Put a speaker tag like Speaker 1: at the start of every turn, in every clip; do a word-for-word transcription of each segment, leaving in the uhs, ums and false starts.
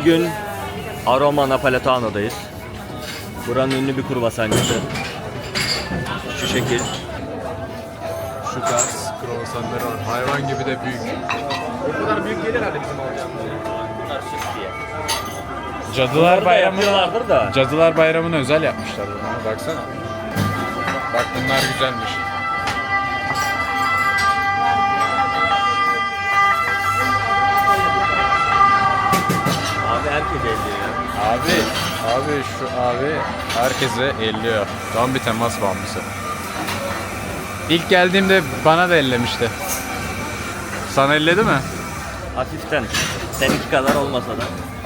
Speaker 1: Bugün Aroma Napoletano'dayız. Buranın ünlü bir kruvasancısı. Şu şekil.
Speaker 2: Şu tarz kruvasanları var. Hayvan gibi de büyük. Bu kadar büyük gelir herhalde bizim alacağımız.
Speaker 1: Bunlar süs diye.
Speaker 2: Cadılar Bayramı
Speaker 1: yapıyorlardır da.
Speaker 2: Cadılar Bayramı'na özel yapmışlar bunu. Baksana. Bak bunlar güzelmiş.
Speaker 1: Abi herkes elliyor ya.
Speaker 2: Abi, abi şu abi herkese elliyor. Tam bir temas bağımlısı. İlk geldiğimde bana da ellemişti. Sana elledi mi?
Speaker 1: Hafiften. Seninki kadar olmasa da.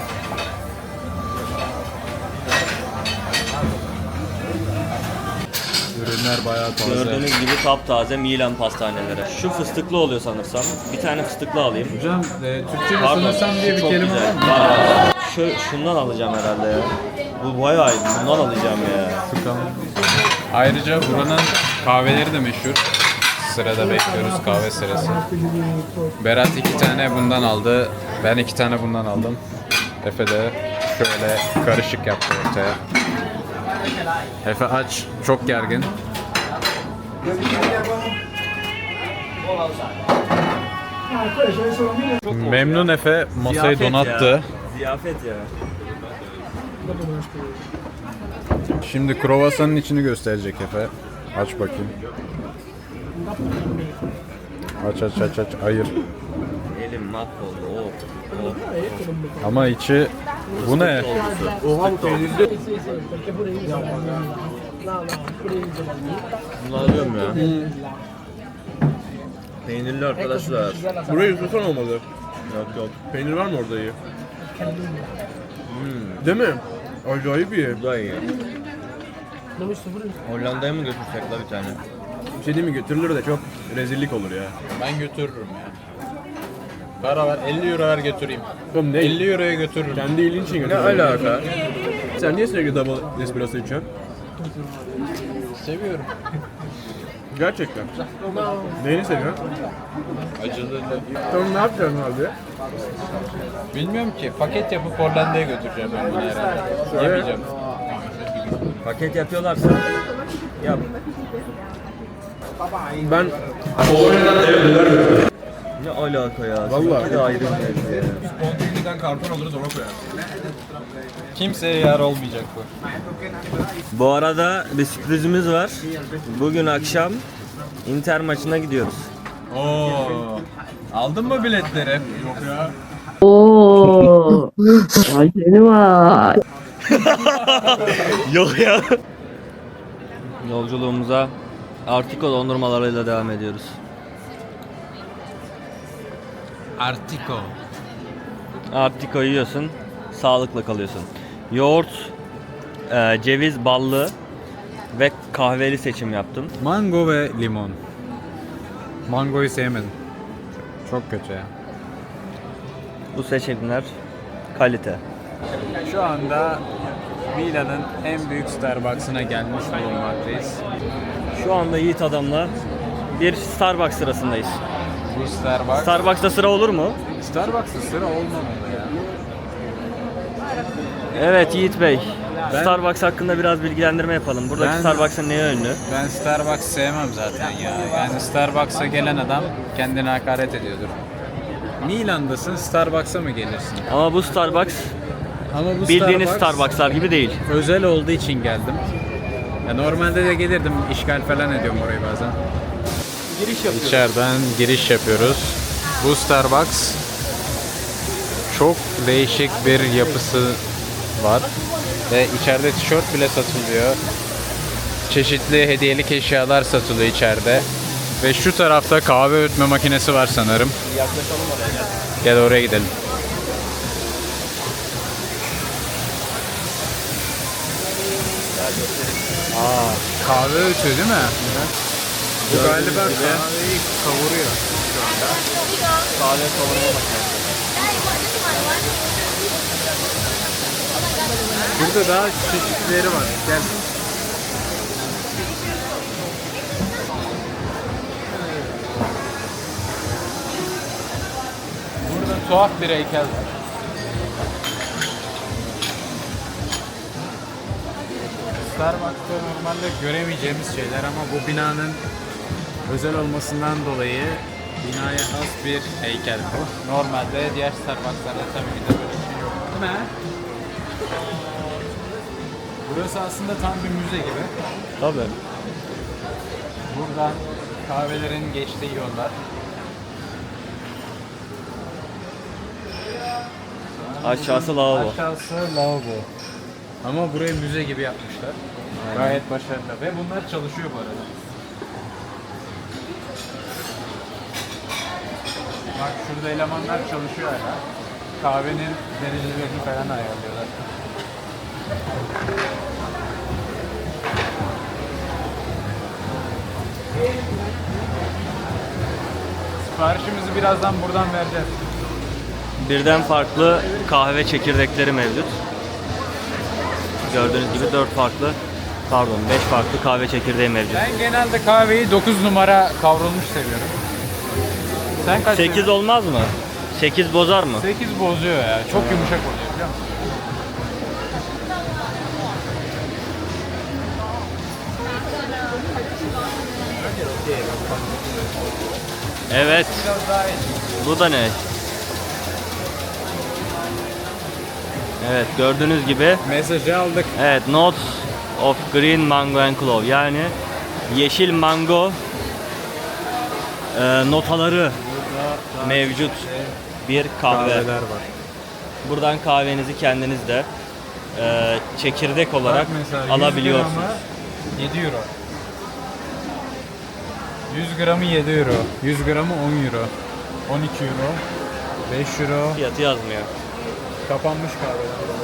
Speaker 2: Ürünler bayağı taze.
Speaker 1: Gördüğünüz gibi taptaze Milan pastaneleri. Şu fıstıklı oluyor sanırsam. Bir tane fıstıklı alayım.
Speaker 2: Hocam e, Türkçe
Speaker 1: Pardon,
Speaker 2: sanırsam diye bir
Speaker 1: çok
Speaker 2: kelime
Speaker 1: güzel.
Speaker 2: var mı?
Speaker 1: Var. Şu, şundan alacağım herhalde ya. Bu bayağı iyi. Bundan alacağım ya.
Speaker 2: Tamam. Ayrıca buranın kahveleri de meşhur. Sırada bekliyoruz kahve sırası. Berat iki tane bundan aldı. Ben iki tane bundan aldım. Efe de şöyle karışık yaptı ortaya. Efe aç, çok gergin. Memnun Efe masayı
Speaker 1: Ziyafet
Speaker 2: donattı.
Speaker 1: ya. Ziyafet ya.
Speaker 2: Şimdi kruvasanın içini gösterecek Efe. Aç bakayım. Aç aç aç aç. Hayır.
Speaker 1: Elim mahvoldu. Oh. Oh.
Speaker 2: Ama içi bu ne?
Speaker 1: Oha bu peynirli. Bunu alıyorum ya. Peynirli arkadaşlar.
Speaker 3: Burayı yutursan olmalı.
Speaker 1: Yok yok.
Speaker 3: Peynir var mı orada iyi? Hmm. Değil mi? Acayip iyi.
Speaker 1: Bu da iyi. Hollanda'ya mı götürsek la bir tane?
Speaker 3: Bir şey değil mi, götürülür de çok rezillik olur ya.
Speaker 2: Ben götürürüm ya. Para ver, elli euro ver götüreyim.
Speaker 3: Oğlum ne?
Speaker 2: elli euroya götürürüm.
Speaker 3: Kendi iyiliğin için
Speaker 1: Ne
Speaker 3: götürülür.
Speaker 1: alaka?
Speaker 3: Sen niye sürekli double espresso içiyorsun?
Speaker 2: Seviyorum.
Speaker 3: Gerçekten. Neyini seviyorsun?
Speaker 2: Acılı.
Speaker 3: Tamam, ne yapacaksın abi?
Speaker 2: Bilmiyorum ki. Paket yapıp Hollanda'ya götüreceğim ben bunu herhalde. Yemeyeceğim.
Speaker 1: Paket yapıyorlarsa yap.
Speaker 3: Ben
Speaker 1: Ne alaka ya?
Speaker 3: Vallahi.
Speaker 1: Bir de ayrı bir mevzu ya.
Speaker 3: Spontaniden karton alırız, ona koyarız.
Speaker 2: Kimseye yar olmayacak bu.
Speaker 1: Bu arada bir sürprizimiz var. Bugün akşam Inter maçına gidiyoruz.
Speaker 2: Oo. Aldın mı biletleri? Yok ya.
Speaker 4: Oo. Vay seni vay.
Speaker 1: Yok ya. Yolculuğumuza Artiko dondurmalarıyla devam ediyoruz.
Speaker 2: Artiko.
Speaker 1: Artiko yiyorsun, sağlıklı kalıyorsun. Yoğurt, e, ceviz, ballı ve kahveli seçim yaptım.
Speaker 2: Mango ve limon. Mangoyu sevmedim. Çok kötü ya.
Speaker 1: Bu seçimler kalite.
Speaker 2: Şu anda Milan'ın en büyük Starbucks'ına gelmiş bulunmaktayız.
Speaker 1: Şu anda Yiğit Adam'la bir Starbucks sırasındayız.
Speaker 2: Bu Starbucks.
Speaker 1: Starbucks'ta sıra olur mu?
Speaker 2: Starbucks'ta sıra olmamalı ya.
Speaker 1: Evet Yiğit Bey.
Speaker 2: Ben-
Speaker 1: Starbucks hakkında biraz bilgilendirme yapalım. Buradaki
Speaker 2: Ben-
Speaker 1: Starbucks'ın neye ünlü?
Speaker 2: Ben Starbucks sevmem zaten ya. Yani Starbucks'a gelen adam kendine hakaret ediyordur. Milan'dasın, Starbucks'a mı gelirsin?
Speaker 1: Ama bu Starbucks
Speaker 2: Ama bu
Speaker 1: bildiğiniz Starbucks'lar gibi değil.
Speaker 2: özel olduğu için geldim. Ya normalde de gelirdim, işgal falan ediyorum orayı bazen.
Speaker 1: Giriş yapıyoruz.
Speaker 2: İçeriden giriş yapıyoruz. Bu Starbucks çok değişik bir yapısı var. Ve içeride tişört bile satılıyor. Çeşitli hediyelik eşyalar satılıyor içeride. Ve şu tarafta kahve öğütme makinesi var sanırım.
Speaker 1: Yaklaşalım oraya gel.
Speaker 2: Gel oraya gidelim. Aa, kahve öğütüyor değil mi? Bu galiba kahveyi kavuruyor.
Speaker 1: Kahve kavurma makinesi.
Speaker 2: Burada daha çeşitleri var. Gel. Burada tuhaf bir heykel var. Starbucks'ta normalde göremeyeceğimiz şeyler ama bu binanın özel olmasından dolayı binaya has bir heykel bu. Normalde diğer Starbucks'larda tabii ki de böyle bir şey yok. Değil mi? Burası aslında tam bir müze gibi.
Speaker 1: Tabii.
Speaker 2: Buradan kahvelerin geçtiği yollar.
Speaker 1: Aşağısı lavabo.
Speaker 2: Aşağısı lavabo. Ama burayı müze gibi yapmışlar. Gayet başarılı ve bunlar çalışıyor bu arada. Bak şurada elemanlar çalışıyor hala. Kahvenin derecelerini falan ayarlıyorlar. Siparişimizi birazdan buradan vereceğiz.
Speaker 1: Birden farklı kahve çekirdekleri mevcut. Gördüğünüz gibi dört farklı, pardon beş farklı kahve çekirdeği mevcut.
Speaker 2: Ben genelde kahveyi dokuz numara kavrulmuş seviyorum. Sen kaç
Speaker 1: sekiz olmaz mı? sekiz bozar mı?
Speaker 2: sekiz bozuyor ya. Çok yumuşak oluyor biliyor musun?
Speaker 1: Evet.
Speaker 2: Biraz daha iyi.
Speaker 1: Bu da ne? Evet, gördüğünüz gibi
Speaker 2: Mesajı aldık.
Speaker 1: evet, Notes of Green Mango and Clove, yani yeşil mango e, notaları mevcut bir kahve.
Speaker 2: Kahveler var.
Speaker 1: Buradan kahvenizi kendiniz de e, çekirdek olarak
Speaker 2: Bak mesela
Speaker 1: alabiliyorsunuz.
Speaker 2: yüz gramı yedi euro. yüz gramı yedi euro. yüz gramı on euro. on iki euro. beş euro.
Speaker 1: Fiyatı yazmıyor.
Speaker 2: Kapanmış kahveler.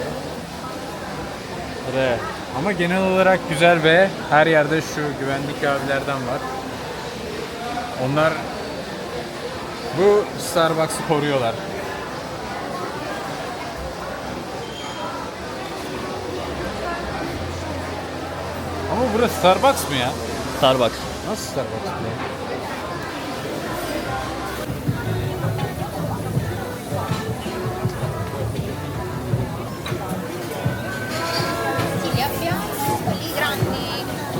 Speaker 1: Re.
Speaker 2: Ama genel olarak güzel ve her yerde şu güvenlik kahvelerden var. Onlar bu Starbucks'ı koruyorlar. Ama burası Starbucks mı ya?
Speaker 1: Starbucks.
Speaker 2: Nasıl Starbucks bu?
Speaker 5: Sì, li abbiamo, quelli grandi.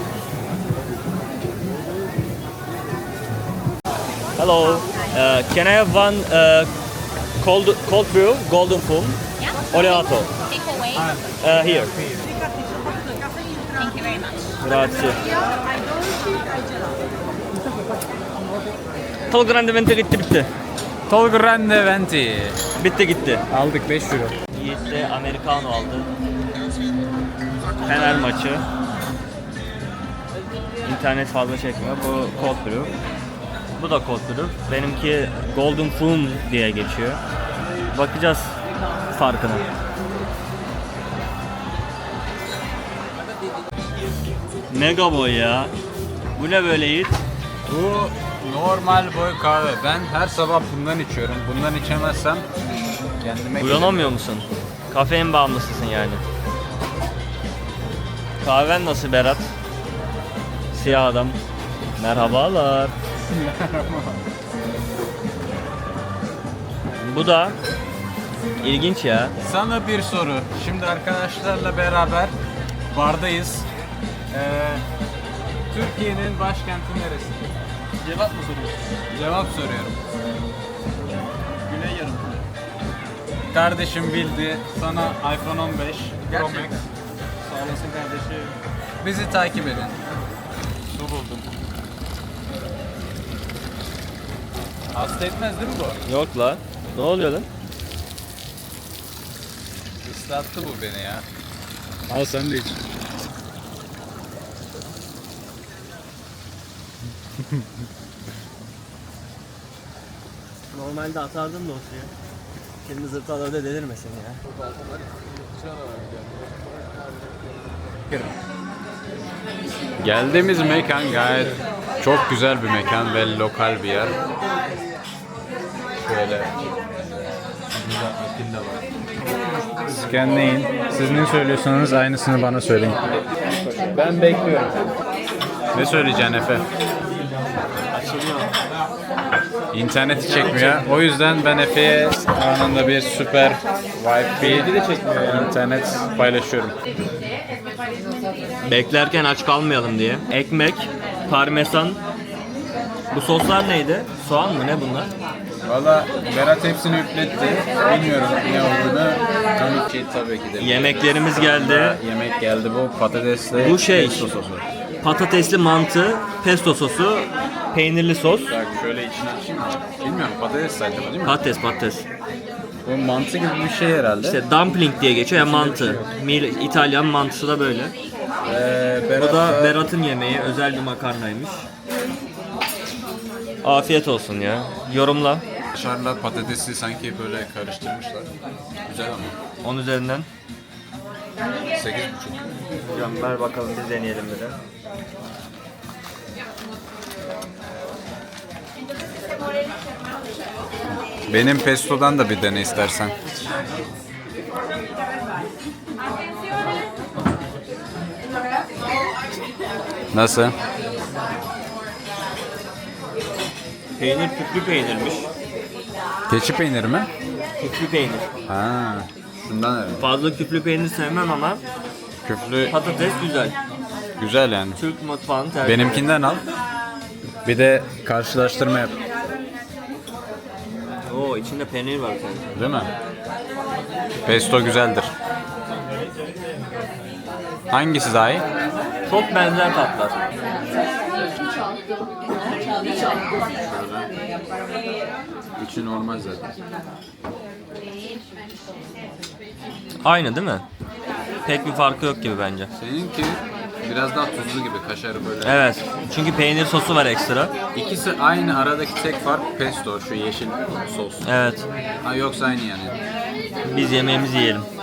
Speaker 1: Hello. Uh, can I have one uh, cold cold brew, golden foam,
Speaker 5: Yeah.
Speaker 1: oleato?
Speaker 5: Take away.
Speaker 1: Uh, here.
Speaker 5: Thank you very much.
Speaker 1: Grazie. Tol Grande Venti gitti bitti.
Speaker 2: Tol Grande Venti.
Speaker 1: Bitti gitti.
Speaker 2: Aldık beş euro.
Speaker 1: Yiğit de Americano aldı. Fener maçı. İnternet fazla çekmiyor. Bu cold brew. Bu da cold brew. Benimki golden foam diye geçiyor. Bakacağız farkına. Mega boy ya. Bu ne böyle Yiğit?
Speaker 2: Bu normal boy kahve. Ben her sabah bundan içiyorum. Bundan içemezsem kendime
Speaker 1: Uyanamıyor musun? Kafein bağımlısısın yani. Kahven nasıl Berat? Siyah adam. Merhabalar. Bu da ilginç ya.
Speaker 2: Sana bir soru. Şimdi arkadaşlarla beraber bardayız. Ee, Türkiye'nin başkenti neresi?
Speaker 3: Cevap mı soruyorsun?
Speaker 2: Cevap soruyorum.
Speaker 3: Güney yarımküre.
Speaker 2: Kardeşim bildi. Sana iPhone on beş Pro Max.
Speaker 3: Sağ olasın kardeşim.
Speaker 2: Bizi takip edin.
Speaker 3: Su buldum.
Speaker 2: Hasta etmez değil mi bu?
Speaker 1: Yok la. Ne oluyor lan?
Speaker 2: Islattı bu beni ya. Al sen de iç.
Speaker 1: Normalde atardım da o suyu. Şimdi zırtlar öyle delirmesin ya.
Speaker 2: Geldiğimiz mekan gayet çok güzel bir mekan ve lokal bir yer. Şöyle scanleyin. Siz ne söylüyorsanız aynısını bana söyleyin. Ben bekliyorum. Ne söyleyeceksin Efe?
Speaker 1: Açılıyor.
Speaker 2: İnterneti çekmiyor. O yüzden ben Efe'ye anında bir süper Wi-Fi internet paylaşıyorum.
Speaker 1: Beklerken aç kalmayalım diye. Ekmek, parmesan. Bu soslar neydi? Soğan mı ne bunlar?
Speaker 2: Valla Berat hepsini üfletti. Bilmiyorum ne olduğunu. Tabii ki tabii ki de.
Speaker 1: Yemeklerimiz geldi.
Speaker 2: Yemek geldi bu patatesli.
Speaker 1: Bu şey.
Speaker 2: pesto sosu.
Speaker 1: Patatesli mantı, pesto sosu, peynirli sos.
Speaker 2: Bak şöyle içine açayım mı? Bilmiyorum patates saydım değil mi?
Speaker 1: Patates patates.
Speaker 2: Bu mantı gibi bir şey herhalde.
Speaker 1: İşte dumpling diye geçiyor ya mantı. Mil- İtalyan mantısı da böyle.
Speaker 2: Ee,
Speaker 1: Bu
Speaker 2: Berat
Speaker 1: da Berat'ın yemeği. Özel bir makarnaymış. Afiyet olsun ya. Yorumla.
Speaker 2: Kaşarla patatesi sanki böyle karıştırmışlar. Güzel ama.
Speaker 1: on üzerinden.
Speaker 2: sekiz buçuk.
Speaker 1: Hocam ver bakalım biz deneyelim bir de.
Speaker 2: Benim pestodan da bir dene istersen. Nasıl?
Speaker 1: Peynir küflü peynirmiş.
Speaker 2: Keçi peyniri mi?
Speaker 1: Küflü peynir.
Speaker 2: Ha, şundan evet.
Speaker 1: Fazla küflü peynir sevmem ama
Speaker 2: Küflü
Speaker 1: patates güzel.
Speaker 2: güzel yani.
Speaker 1: Türk mutfağını tercih ederim.
Speaker 2: Benimkinden al. Bir de karşılaştırma yap.
Speaker 1: Oo içinde peynir var sanki.
Speaker 2: Değil mi? Pesto güzeldir. Hangisi daha iyi?
Speaker 1: Çok benzer tatlar.
Speaker 2: İçi normal zaten.
Speaker 1: Aynı değil mi? Pek bir farkı yok gibi bence.
Speaker 2: Seninki biraz daha tuzlu gibi kaşarı böyle.
Speaker 1: Evet. Çünkü peynir sosu var ekstra.
Speaker 2: İkisi aynı, aradaki tek fark pesto, şu yeşil sos.
Speaker 1: Evet.
Speaker 2: Ha, yoksa aynı yani.
Speaker 1: Biz yemeğimizi yiyelim.